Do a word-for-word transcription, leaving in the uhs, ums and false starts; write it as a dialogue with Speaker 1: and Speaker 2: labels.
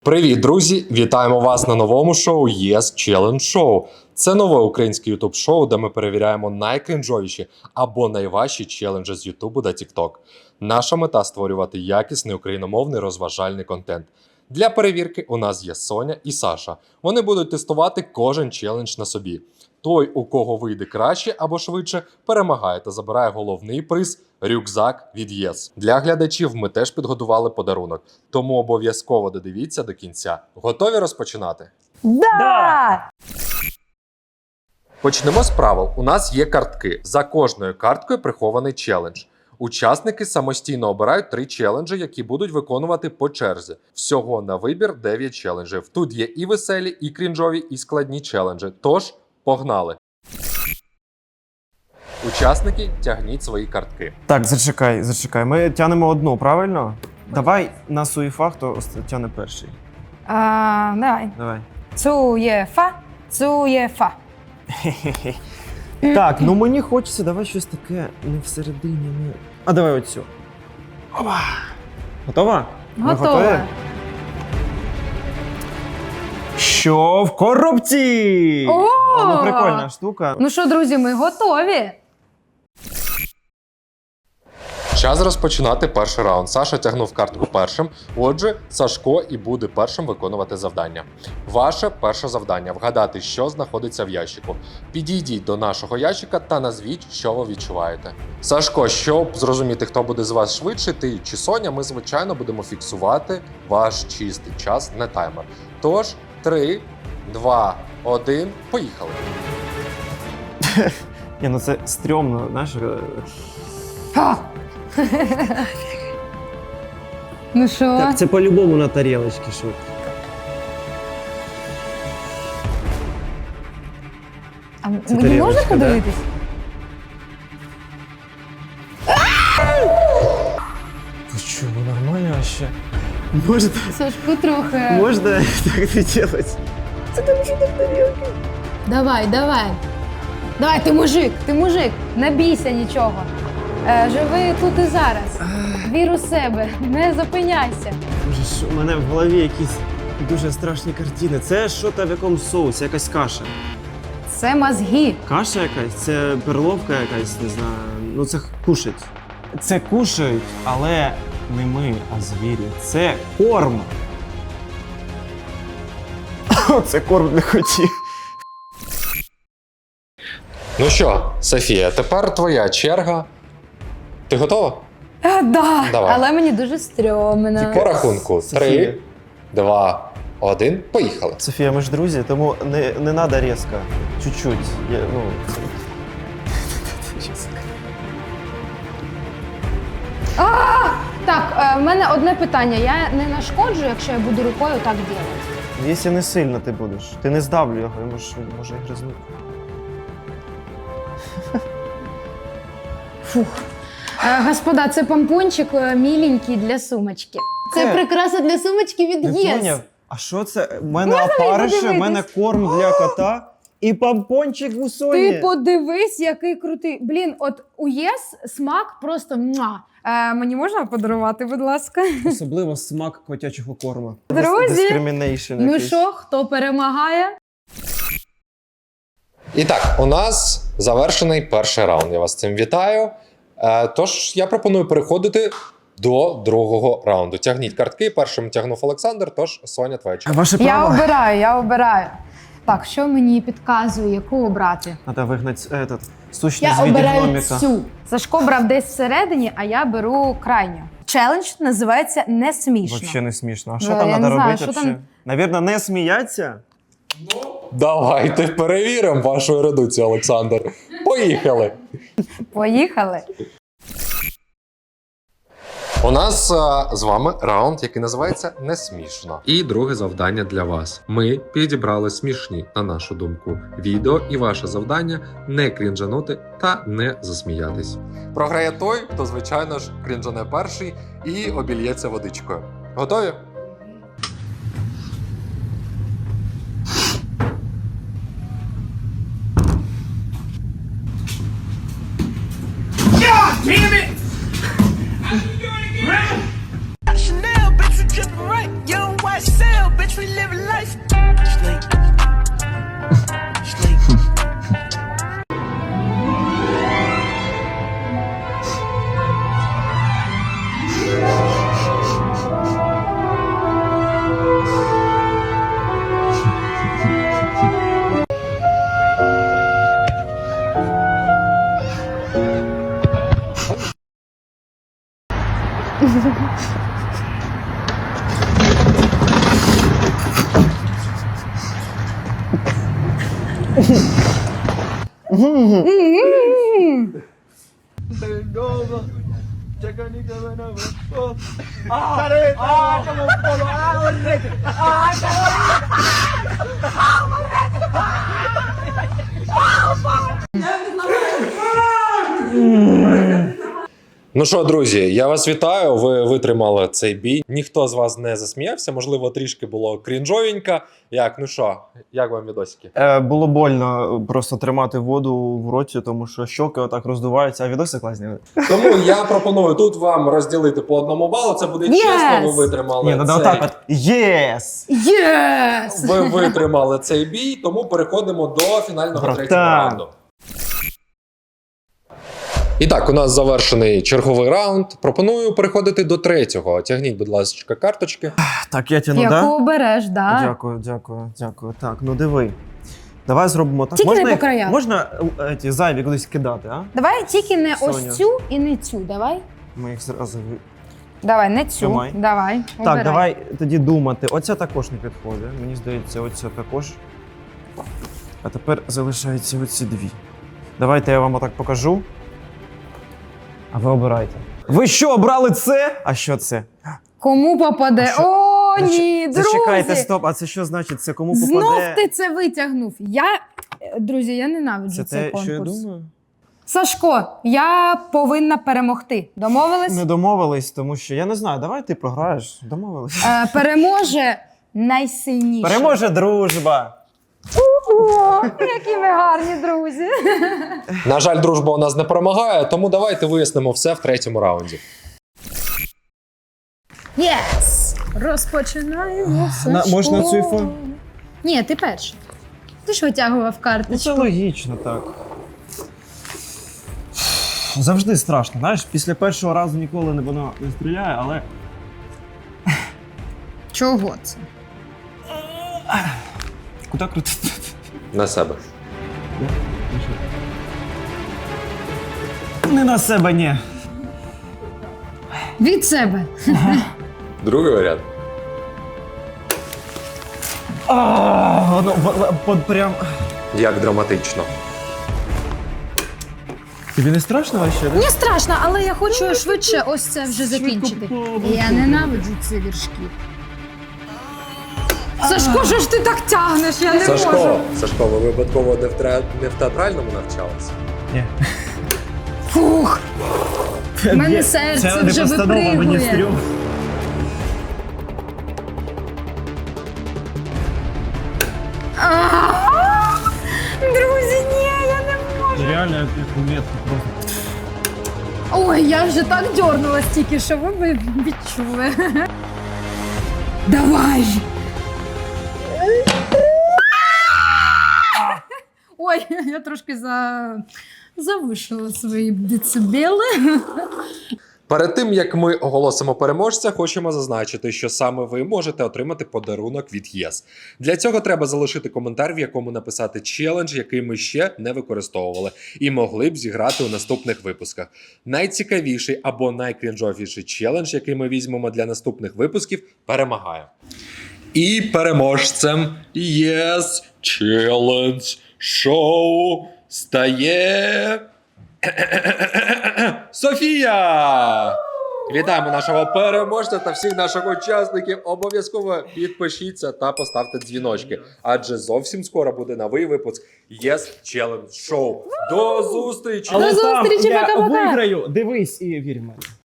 Speaker 1: Привіт, друзі! Вітаємо вас на новому шоу Yes Challenge Show. Це нове українське ютуб-шоу, де ми перевіряємо найкрінжовіші або найважчі челенджі з Ютубу та Тікток. Наша мета – створювати якісний україномовний розважальний контент. Для перевірки у нас є Соня і Саша. Вони будуть тестувати кожен челендж на собі. Той, у кого вийде краще або швидше, перемагає та забирає головний приз – рюкзак від ЄС. Для глядачів ми теж підготували подарунок, тому обов'язково додивіться до кінця. Готові розпочинати?
Speaker 2: Да!
Speaker 3: Да!
Speaker 1: Почнемо з правил. У нас є картки. За кожною карткою прихований челендж. Учасники самостійно обирають три челенджі, які будуть виконувати по черзі. Всього на вибір дев'ять челенджів. Тут є і веселі, і крінжові, і складні челенджі. Тож, погнали! Учасники, тягніть свої картки.
Speaker 3: Так, зачекай, зачекай. Ми тянемо одну, правильно? Давай на суєфа, хто тяне перший.
Speaker 2: А, давай.
Speaker 3: Давай.
Speaker 2: Цуєфа, цуєфа.
Speaker 3: Так, ну мені хочеться, давай щось таке не всередині. Не... А давай оцю. Опа. Готова? Ми
Speaker 2: Готова.
Speaker 3: готові? Що в коробці?
Speaker 2: О!
Speaker 3: Ну, прикольна штука.
Speaker 2: Ну що, друзі, ми готові.
Speaker 1: Час розпочинати перший раунд. Саша тягнув картку першим, отже, Сашко і буде першим виконувати завдання. Ваше перше завдання – вгадати, що знаходиться в ящику. Підійдіть до нашого ящика та назвіть, що ви відчуваєте. Сашко, щоб зрозуміти, хто буде з вас швидше, ти чи Соня, ми, звичайно, будемо фіксувати ваш чистий час, не таймер. Тож, три, два, один, поїхали.
Speaker 3: Ні, ну це стрьомно, знаєш.
Speaker 2: Ха. Ну що?
Speaker 3: Так, це по-любому на тарілочці, що.
Speaker 2: А мені
Speaker 3: тарілочка,
Speaker 2: можна
Speaker 3: да?
Speaker 2: подивитись?
Speaker 3: Ви що, ви нормально ще? Можна,
Speaker 2: Сашку трохи.
Speaker 3: можна так не робити? Це там що там тарілки?
Speaker 2: Давай, давай. Давай, ти мужик, ти мужик. Не бійся нічого. Е, живи тут і зараз. Вір у себе, не зупиняйся.
Speaker 3: Боже, що у мене в голові якісь дуже страшні картини. Це що там в якомусь соусі, якась каша.
Speaker 2: Це мозги.
Speaker 3: Каша якась, це перловка якась, не знаю. Ну це кушать. Це кушають, але не ми, а звірі. Це корм. Це корм не хотів.
Speaker 1: Ну що, Софія, тепер твоя черга. Ти готова?
Speaker 2: А, да,
Speaker 1: Давай.
Speaker 2: але мені дуже стрьомно.
Speaker 1: По рахунку
Speaker 3: Софія.
Speaker 1: три, два, один, поїхали.
Speaker 3: Софія, ми ж друзі, тому не, не надо різко. Чуть-чуть. Я, ну...
Speaker 2: А! Так, е, в мене одне питання. Я не нашкоджу, якщо я буду рукою так робити?
Speaker 3: Якщо не сильно ти будеш, ти не здавлю його, я може, може і гризнути.
Speaker 2: Фух. Е, господа, це помпончик е, міленький для сумочки. Це
Speaker 3: Це-
Speaker 2: прикраса для сумочки від
Speaker 3: Не
Speaker 2: ЄС.
Speaker 3: поняв? А що це? У мене
Speaker 2: Можна мені
Speaker 3: опарище, в
Speaker 2: подивитись?
Speaker 3: мене корм для кота і помпончик у Соні.
Speaker 2: Ти подивись, який крутий. Блін, от у ЄС смак просто муа. Е, мені можна подарувати, будь ласка?
Speaker 3: Особливо смак котячого корму.
Speaker 2: Друзі,
Speaker 3: Discrimination
Speaker 2: Ну
Speaker 3: якийсь.
Speaker 2: що, хто перемагає?
Speaker 1: І так, у нас завершений перший раунд. Я вас з цим вітаю. Е, Тож я пропоную переходити до другого раунду. Тягніть картки. Першим тягнув Олександр, тож Соня, твоя черга.
Speaker 3: Ваше
Speaker 2: Я
Speaker 3: право.
Speaker 2: обираю, я обираю. Так, що мені підказує, яку обрати?
Speaker 3: Надо вигнати этот, сущність
Speaker 2: Я
Speaker 3: в виді
Speaker 2: обираю
Speaker 3: гноміка.
Speaker 2: цю. Сашко брав десь всередині, а я беру крайню. Челендж називається «Не смішно».
Speaker 3: Вообще не смішно. А що
Speaker 2: Да,
Speaker 3: там
Speaker 2: я
Speaker 3: треба
Speaker 2: не знаю,
Speaker 3: робити?
Speaker 2: що там-
Speaker 3: взагалі? Навірно, не сміяться?
Speaker 1: Давайте перевіримо вашу ерудицію, Олександр. Поїхали!
Speaker 2: Поїхали.
Speaker 1: У нас а, з вами раунд, який називається «Не смішно». І друге завдання для вас. Ми підібрали смішні, на нашу думку, відео, і ваше завдання – не крінжанути та не засміятись. Програє той, хто, звичайно ж, крінжане перший і обільється водичкою. Готові?
Speaker 4: Chanel, bitch, you dripping right. Young white cell, we live life. Sleep. Sleep.
Speaker 1: Ну що, друзі, я вас вітаю. Ви витримали цей бій. Ніхто з вас не засміявся. Можливо, трішки було крінжовенько. Як, ну що, як вам відосики?
Speaker 3: Е, було больно просто тримати воду в роті, тому що щоки отак роздуваються, а відоси класні.
Speaker 1: Тому я пропоную тут вам розділити по одному балу. Це буде
Speaker 2: Yes!
Speaker 1: чесно. Ви витримали
Speaker 3: Ні, треба
Speaker 1: цей...
Speaker 3: отак от. Єс!
Speaker 2: Єс!
Speaker 1: Ви витримали цей бій, тому переходимо до фінального
Speaker 3: Братан.
Speaker 1: третього раунду. І так, у нас завершений черговий раунд. Пропоную переходити до третього. Тягніть, будь ласка, карточки.
Speaker 3: Так, я тяну,
Speaker 2: Яку
Speaker 3: да?
Speaker 2: обереш, да?
Speaker 3: Дякую, дякую, дякую. Так, ну диви. Давай зробимо так.
Speaker 2: Тільки
Speaker 3: можна
Speaker 2: не по
Speaker 3: їх-
Speaker 2: краях.
Speaker 3: Можна е, ті зайві кудись кидати, а?
Speaker 2: Давай тільки не
Speaker 3: Соня.
Speaker 2: ось цю і не цю, давай.
Speaker 3: Ми їх зразу... ви-
Speaker 2: Давай, не цю.
Speaker 3: Тримай.
Speaker 2: Давай.
Speaker 3: Так,
Speaker 2: обирай.
Speaker 3: давай тоді думати. Оця також не підходить. Мені здається, оця також. А тепер залишаються оці дві. Давайте я вам отак покажу. А ви обирайте. Ви що, обрали це? А що це?
Speaker 2: Кому попаде?
Speaker 3: А що?
Speaker 2: О,
Speaker 3: Зач-
Speaker 2: ні, друзі!
Speaker 3: Зачекайте, стоп, а це що значить? Це кому попаде?
Speaker 2: Знов ти це витягнув. Я, е, друзі, я ненавиджу
Speaker 3: Це
Speaker 2: цей
Speaker 3: те,
Speaker 2: конкурс.
Speaker 3: що я думаю?
Speaker 2: Сашко, я повинна перемогти. Домовились?
Speaker 3: Не домовились, тому що я не знаю, давай ти програєш. Домовились.
Speaker 2: Е, переможе найсильніше.
Speaker 3: Переможе дружба.
Speaker 2: О, які ви гарні друзі.
Speaker 1: На жаль, дружба у нас не перемагає, тому давайте вияснимо все в третьому раунді.
Speaker 2: Єс! Розпочинаємо.
Speaker 3: На-
Speaker 2: Сашко.
Speaker 3: можна цю іфо?
Speaker 2: Ні, ти перший. Ти ж витягував
Speaker 3: Ну, це
Speaker 2: карточку.
Speaker 3: логічно так. Завжди страшно, знаєш, після першого разу ніколи не воно не стріляє, але.
Speaker 2: Чого це?
Speaker 3: Куди крутити?
Speaker 1: На себе.
Speaker 3: Не на себе, ні.
Speaker 2: Від себе.
Speaker 1: Другий варіант.
Speaker 3: А, воно в- в- от прям.
Speaker 1: Як драматично.
Speaker 3: Тобі не страшно вообще?
Speaker 2: Мені страшно, але я хочу швидше ось це вже закінчити. Я ненавиджу ці віршки. Сашко, що ж ти так тягнеш? Я не
Speaker 1: Сашко,
Speaker 2: можу.
Speaker 1: Сашко, ви випадково не в, тре- не в театральному навчалися?
Speaker 3: Ні.
Speaker 2: Фух. В мене серце вже випригує. А, друзі, ні, я не можу.
Speaker 3: Реально, як метку просто.
Speaker 2: Ой, я вже так дьорнулась тільки, що ви б відчули. Давай! Ой, я трошки за... завишила свої децибели.
Speaker 1: Перед тим, як ми оголосимо переможця, хочемо зазначити, що саме ви можете отримати подарунок від ЄС. Для цього треба залишити коментар, в якому написати челендж, який ми ще не використовували, і могли б зіграти у наступних випусках. Найцікавіший або найкрінжовіший челендж, який ми візьмемо для наступних випусків, перемагає. І переможцем ЄС Челендж Шоу стає... Софія! Вітаємо нашого переможця та всіх наших учасників. Обов'язково підпишіться та поставте дзвіночки, адже зовсім скоро буде новий випуск Yes Challenge Show. До зустрічі!
Speaker 2: До зустрічі,
Speaker 3: я
Speaker 2: пока-пока.
Speaker 3: виграю, дивись і вір в мене.